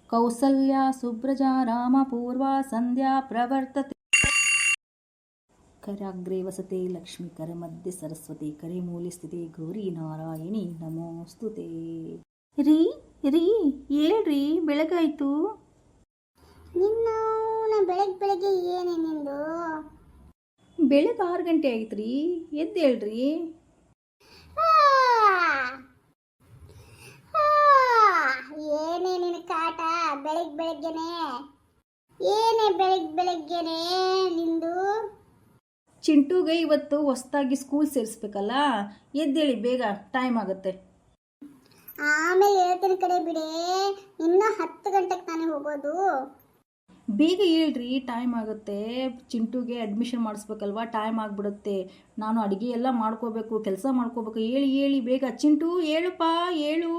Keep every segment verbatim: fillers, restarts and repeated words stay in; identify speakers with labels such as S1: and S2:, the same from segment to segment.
S1: ಕೌಸಲ್ಯ ಸುಬ್ರಜಾ ರಾಮ ಪೂರ್ವಾ ಸಂಧ್ಯಾ ಪ್ರವರ್ತತೆ. ಕರಾಗ್ರೆ ವಸತೆ ಲಕ್ಷ್ಮೀ ಕರ ಮಧ್ಯೆ ಸರಸ್ವತಿ ಕರೆ ಮೂಲೆ ಸ್ಥಿತಿ ಗೌರಿ ನಾರಾಯಣಿ ನಮೋಸ್ತುತೆ. ರೀ ರೀ ಹೇಳ್ರಿ, ಬೆಳಗಾಯ್ತು.
S2: ನಿನ್ನ ಬೆಳಗ್ಗೆ ಬೆಳಗ್ಗೆ ಏನೇ ನಿಂದು?
S1: ಬೆಳಗ್ಗೆ ಆರು ಗಂಟೆ ಆಯ್ತು ರೀ, ಎದ್ದು ಹೇಳ್ರಿ.
S2: ಏನೇ ನಿನ್ನ ಕಾಟ ಬೆಳಗ್ಗೆ ಬೆಳಗ್ಗೆನೆ? ಏನೇ ಬೆಳಗ್ಗೆ ಬೆಳಗ್ಗೆನೆ ನಿಂದು?
S1: ಚಿಂಟುಗೆ ಇವತ್ತು ಹೊಸ್ದಾಗಿ ಸ್ಕೂಲ್ ಸೇರಿಸ್ಬೇಕಲ್ಲ, ಎದ್ದೇಳಿ ಬೇಗ, ಟೈಮ್ ಆಗುತ್ತೆ.
S2: ಆಮೇಲೆ ಹೇಳ್ತೀನಿ ಕಡೆ ಬಿಡೆ, ಇನ್ನೂ ಹತ್ತು ಗಂಟೆಗೆ ತಾನೇ ಹೋಗೋದು.
S1: ಬೇಗ ಹೇಳ್ರಿ, ಟೈಮ್ ಆಗುತ್ತೆ. ಚಿಂಟುಗೆ ಅಡ್ಮಿಷನ್ ಮಾಡಿಸ್ಬೇಕಲ್ವಾ, ಟೈಮ್ ಆಗಿಬಿಡುತ್ತೆ. ನಾನು ಅಡುಗೆ ಎಲ್ಲ ಮಾಡ್ಕೋಬೇಕು, ಕೆಲಸ ಮಾಡ್ಕೋಬೇಕು. ಹೇಳಿ ಹೇಳಿ ಬೇಗ. ಚಿಂಟು ಹೇಳುಪ್ಪ, ಹೇಳು.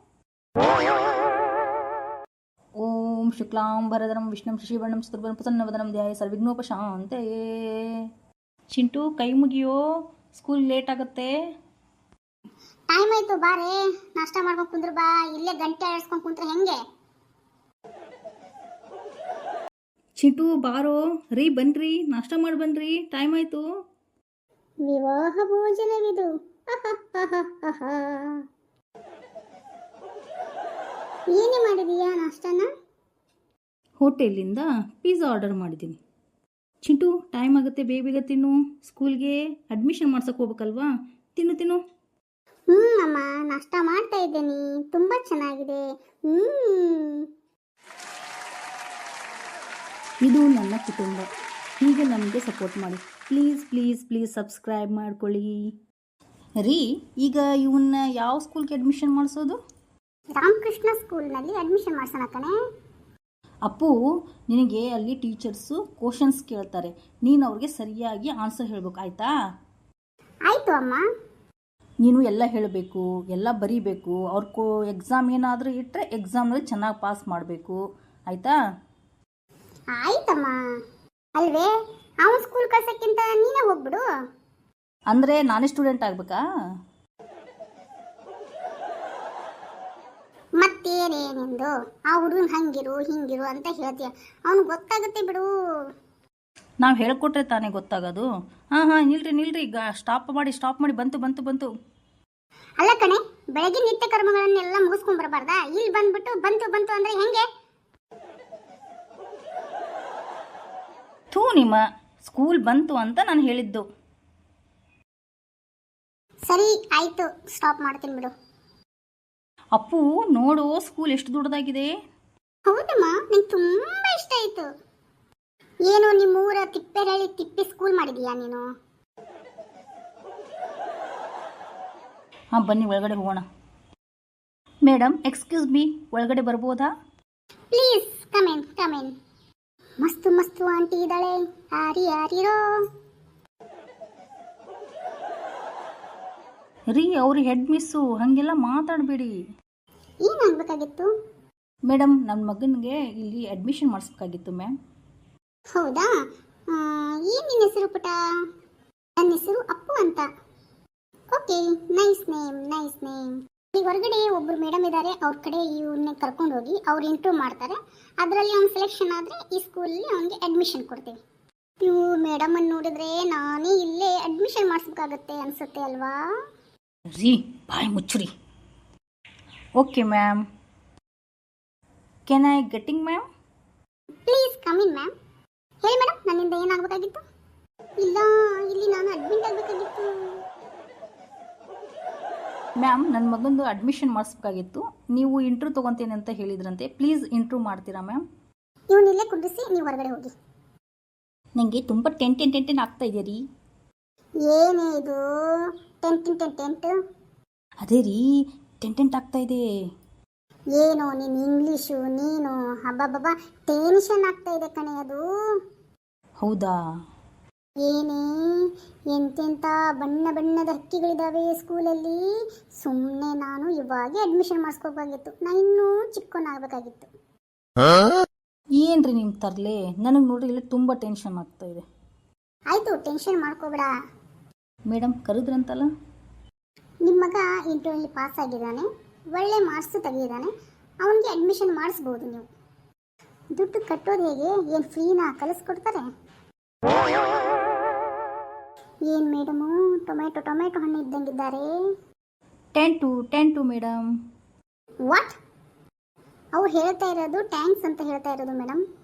S1: ಓಂ ಶುಕ್ಲಾಂಬರಧರಂ ವಿಷ್ಣುಂ ಶಶಿವರ್ಣಂ ಚತುರ್ಭುಜಂ ಪ್ರಸನ್ನವದನಂ ಧ್ಯಾಯೇತ್ ಸರ್ವವಿಘ್ನೋಪಶಾಂತಯೇ. ಚಿಂಟು ಕೈ ಮುಗಿಯೋ, ಸ್ಕೂಲ್ ಲೇಟ್ ಆಗುತ್ತೆ.
S2: ಟೈಮ್ ಆಯ್ತು, ಬಾರೆ ನಾಷ್ಟ ಮಾಡ್ಕೊಂಡು ಕುಂದ್ರು ಬಾ. ಇಲ್ಲೇ ಗಂಟೆ ಆಡಿಸ್ಕೊಂಡು ಕುಂತ್ರೆ ಹೆಂಗೆ?
S1: ಚಿಂಟು ಬಾರೋ ರೀ, ಬನ್ರಿ, ನಾಷ್ಟ ಮಾಡಿ ಬನ್ರಿ, ಟೈಮ್ ಆಯ್ತು.
S2: ವಿವಾಹ ಭೋಜನವಿದು. ಏನೇ ಮಾಡಿದೀಯಾ ನಾಷ್ಟನ?
S1: ಹೋಟೆಲಿಂದ ಪಿಜ್ಜಾ ಆರ್ಡರ್ ಮಾಡಿದ್ದೀನಿ. ಚಿಂಟು ಟೈಮ್ ಆಗುತ್ತೆ, ಬೇಗ ಬೇಗ ತಿನ್ನು. ಸ್ಕೂಲ್ಗೆ ಅಡ್ಮಿಷನ್ ಮಾಡ್ಸಕ್ಕೆ ಹೋಗ್ಬೇಕಲ್ವಾ, ತಿನ್ನು ತಿನ್ನು.
S2: ಹ್ಞೂ ಅಮ್ಮ, ನಾಷ್ಟ ಮಾಡ್ತಾ ಇದ್ದೇನೆ, ತುಂಬ ಚೆನ್ನಾಗಿದೆ. ಹ್ಞೂ,
S1: ಇದು ನನ್ನ ಕುಟುಂಬ, ಹೀಗೆ ನಮಗೆ ಸಪೋರ್ಟ್ ಮಾಡಿ. ಪ್ಲೀಸ್ ಪ್ಲೀಸ್ ಪ್ಲೀಸ್ ಸಬ್ಸ್ಕ್ರೈಬ್ ಮಾಡ್ಕೊಳ್ಳಿ ರೀ. ಈಗ ಇವನ್ನ ಯಾವ ಸ್ಕೂಲ್ಗೆ ಅಡ್ಮಿಷನ್ ಮಾಡಿಸೋದು?
S2: ರಾಮಕೃಷ್ಣ ಸ್ಕೂಲ್ನಲ್ಲಿ ಅಡ್ಮಿಷನ್ ಮಾಡ್ಸೋಣ ಕಣೆ.
S1: ಅಪ್ಪು, ನಿನಗೆ ಅಲ್ಲಿ ಟೀಚರ್ಸು ಕ್ವಶನ್ಸ್ ಕೇಳ್ತಾರೆ, ನೀನು ಅವ್ರಿಗೆ ಸರಿಯಾಗಿ ಆನ್ಸರ್ ಹೇಳಬೇಕು, ಆಯಿತಾ?
S2: ಆಯಿತು ಅಮ್ಮ.
S1: ನೀನು ಎಲ್ಲ ಹೇಳಬೇಕು, ಎಲ್ಲ ಬರೀಬೇಕು. ಅವ್ರ ಕೋ ಎಕ್ಸಾಮ್ ಏನಾದರೂ ಇಟ್ಟರೆ ಎಕ್ಸಾಮ್ನಲ್ಲಿ ಚೆನ್ನಾಗಿ ಪಾಸ್ ಮಾಡಬೇಕು, ಆಯಿತಾ?
S2: ಆಯ್ತಮ್ಮ. ಅಲ್ವೇ, ಅವನು ಸ್ಕೂಲ್ ಕಳ್ಸೋಕ್ಕಿಂತ ನೀನೇ ಹೋಗ್ಬಿಡು.
S1: ಅಂದರೆ ನಾನೇ ಸ್ಟೂಡೆಂಟ್ ಆಗಬೇಕಾ?
S2: ಮತ್ತೇನೇನೆಂದು ಆ ಹುಡುಗನ ಹಂಗಿರು ಹಿಂಗಿರು ಅಂತ ಹೇಳ್ತೀಯ, ಅವನು ಗೊತ್ತಾಗುತ್ತೆ ಬಿಡು.
S1: ನಾವು ಹೇಳ್ಕೊಟ್ರೆ ತಾನೇ ಗೊತ್ತಾಗೋದು. ಹಾಂ ಹಾಂ ನಿಲ್ರಿ ನಿಲ್ರಿ, ಈಗ ಸ್ಟಾಪ್ ಮಾಡಿ ಸ್ಟಾಪ್ ಮಾಡಿ. ಬಂತು ಬಂತು ಬಂತು.
S2: ಅಲ್ಲ ಕಣೆ, ಬೆಳಗ್ಗೆ ನಿತ್ಯ ಕರ್ಮಗಳನ್ನೆಲ್ಲ ಮುಗಿಸ್ಕೊಂಡ್ ಬರಬಾರ್ದಾ? ಇಲ್ಲಿ ಬಂದ್ಬಿಟ್ಟು ಬಂತು ಬಂತು ಅಂದ್ರೆ ಹೆಂಗೆ?
S1: ಥೂ, ನಿಮ್ಮ ಸ್ಕೂಲ್ ಬಂತು ಅಂತ ನಾನು ಹೇಳಿದ್ದು.
S2: ಸರಿ ಆಯ್ತು, ಸ್ಟಾಪ್ ಮಾಡ್ತೀನಿ ಬಿಡು.
S1: ಅಪ್ಪು ನೋಡು, ಸ್ಕೂಲ್ ಎಷ್ಟು ದೊಡ್ಡದಾಗಿದೆ.
S2: ಹೌದಮ್ಮ, ನಂಗೆ ತುಂಬಾ ಇಷ್ಟ ಆಯ್ತು. ಏನು ನಿಮ್ಮೂರ ತಿಪ್ಪೆರಳ್ಳಿ ತಿಪ್ಪಿ ಸ್ಕೂಲ್ ಮಾಡಿದೀಯಾ ನೀನು?
S1: ಹಾಂ ಬನ್ನಿ, ಒಳಗಡೆ ಹೋಗೋಣ. ಮೇಡಮ್ ಎಕ್ಸ್ಕ್ಯೂಸ್ ಮೀ, ಒಳಗಡೆ ಬರ್ಬೋದಾ?
S2: Please come in come in. ಮಸ್ತು ಮಸ್ತು ಆಂಟಿ ಇದ್ದಾಳೆ, ಯಾರಿ ಯಾರಿರೋ.
S1: ರೀ, ಅವ್ರು ಹೆಡ್ ಮಿಸ್ಸು, ಹಾಗೆಲ್ಲ ಮಾತಾಡಬೇಡಿ.
S2: ಏನಾಗಬೇಕಾಗಿತ್ತು?
S1: ಮೇಡಮ್, ನನ್ನ ಮಗನಿಗೆ ಇಲ್ಲಿ ಅಡ್ಮಿಷನ್ ಮಾಡಿಸ್ಬೇಕಾಗಿತ್ತು ಮ್ಯಾಮ್.
S2: ಹೌದಾ? ಏನು ನಿನ್ನ ಹೆಸರು ಪುಟ? ನನ್ನ ಹೆಸರು ಅಪ್ಪು ಅಂತ. Okay, nice name nice name. ಈಗ ಹೊರಗಡೆ ಒಬ್ಬರು ಮೇಡಮ್ ಇದ್ದಾರೆ, ಅವ್ರ ಕಡೆ ಇವನ್ನ ಕರ್ಕೊಂಡು ಹೋಗಿ ಅವ್ರು ಇಂಟರ್ವ್ಯೂ ಮಾಡ್ತಾರೆ. ಅದರಲ್ಲಿ ಅವ್ನು ಸೆಲೆಕ್ಷನ್ ಆದರೆ ಈ ಸ್ಕೂಲಲ್ಲಿ ಅವನಿಗೆ ಅಡ್ಮಿಷನ್ ಕೊಡ್ತೀವಿ. ಇವು ಮೇಡಮನ್ನು ನೋಡಿದ್ರೆ ನಾನೇ ಇಲ್ಲೇ ಅಡ್ಮಿಷನ್ ಮಾಡಿಸ್ಬೇಕಾಗತ್ತೆ ಅನಿಸುತ್ತೆ ಅಲ್ವಾ?
S1: ರೀ, ಬಾಯ್ ಮುಚ್ಚುರಿ. Okay ma'am, can I getting ma'am?
S2: Please come in ma'am. ಹೇಳಿ ಮೇಡಮ್, ನನ್ನಿಂದ ಏನಾಗಬೇಕಾಗಿತ್ತು? ಇಲ್ಲ, ಇಲ್ಲಿ ನಾನು ಅಡ್ಮಿಟ್ ಆಗಬೇಕಾಗಿತ್ತು.
S1: ಮ್ಯಾಮ್, ನನ್ನ ಮಗಂದು ಅಡ್ಮಿಷನ್ ಮಾಡಿಸ್ಬೇಕಾಗಿತ್ತು. ನೀವು ಇಂಟ್ರ್ಯೂ ತೊಗೊತೀನಿ ಅಂತ ಹೇಳಿದ್ರಂತೆ, ಪ್ಲೀಸ್ ಇಂಟ್ರ್ಯೂ ಮಾಡ್ತೀರಾ ಮ್ಯಾಮ್?
S2: ಇವನ್ನಿಲ್ಲೇ ಕುಂಡಿಸಿ ನೀವು ಹೊರಗಡೆ ಹೋಗಿ.
S1: ನನಗೆ ತುಂಬ ಟೆಂಟೆನ್ ಟೆಂಟೆನ್ ಆಗ್ತಾ ಇದೆ ರೀ.
S2: ಏನೇ ಇದು ಟೆಂಟ್ ಟೆಂಟ್ ಟೆಂಟ್?
S1: ಅದೇ ರೀ, ಟೆಂಟೆಂಟ್ ಆಗ್ತಾ ಇದೆ.
S2: ಏನೋ ನೀನು ಇಂಗ್ಲೀಷು ನೀನು, ಹಬ್ಬಬ್ಬಬ್ಬ ಟೆನ್ಷನ್ ಆಗ್ತಾ ಇದೆ ಕಣೆ ಅದು.
S1: ಹೌದಾ?
S2: ಏನೇ ಎಂತೆಂಥ ಬಣ್ಣ ಬಣ್ಣದ ಹಕ್ಕಿಗಳಿದ್ದಾವೆ ಸ್ಕೂಲಲ್ಲಿ. ಸುಮ್ಮನೆ ನಾನು ಇವಾಗ ಅಡ್ಮಿಷನ್ ಮಾಡಿಸ್ಕೋಬೇಕಾಗಿತ್ತು, ನಾನು ಇನ್ನೂ ಚಿಕ್ಕವನಾಗಬೇಕಾಗಿತ್ತು.
S1: ಏನ್ರಿ ನಿಮ್ಮ ತರಲೆ, ನನಗೆ ನೋಡ್ರಿ ಇಲ್ಲಿ ತುಂಬ ಟೆನ್ಷನ್ ಆಗ್ತಾ ಇದೆ.
S2: ಆಯಿತು, ಟೆನ್ಷನ್ ಮಾಡ್ಕೋಬೇಡ.
S1: ಮೇಡಮ್ ಕರೆದ್ರಂತಲ್ಲ?
S2: ನಿಮ್ಮ ಮಗ ಇಂಟರ್ವ್ಯೂಲಿ ಪಾಸ್ ಆಗಿದ್ದಾನೆ, ಒಳ್ಳೆ ಮಾರ್ಕ್ಸು ತೆಗೆದಿದ್ದಾನೆ, ಅವನಿಗೆ ಅಡ್ಮಿಷನ್ ಮಾಡಿಸ್ಬೋದು ನೀವು. ದುಡ್ಡು ಕಟ್ಟೋದು ಹೇಗೆ? ಏನು ಫ್ರೀನಾ ಕಲಿಸ್ಕೊಡ್ತಾರೆ? ಏನು ಮೇಡಮು ಟೊಮೆಟೊ ಟೊಮೆಟೊ ಹಣ್ಣು ಇದ್ದಂಗಿದ್ದಾರೆ.
S1: Ten two ten two madam.
S2: What? ಅವ್ರು ಹೇಳ್ತಾ ಇರೋದು ಟ್ಯಾಂಕ್ಸ್ ಅಂತ ಹೇಳ್ತಾ ಇರೋದು ಮೇಡಮ್.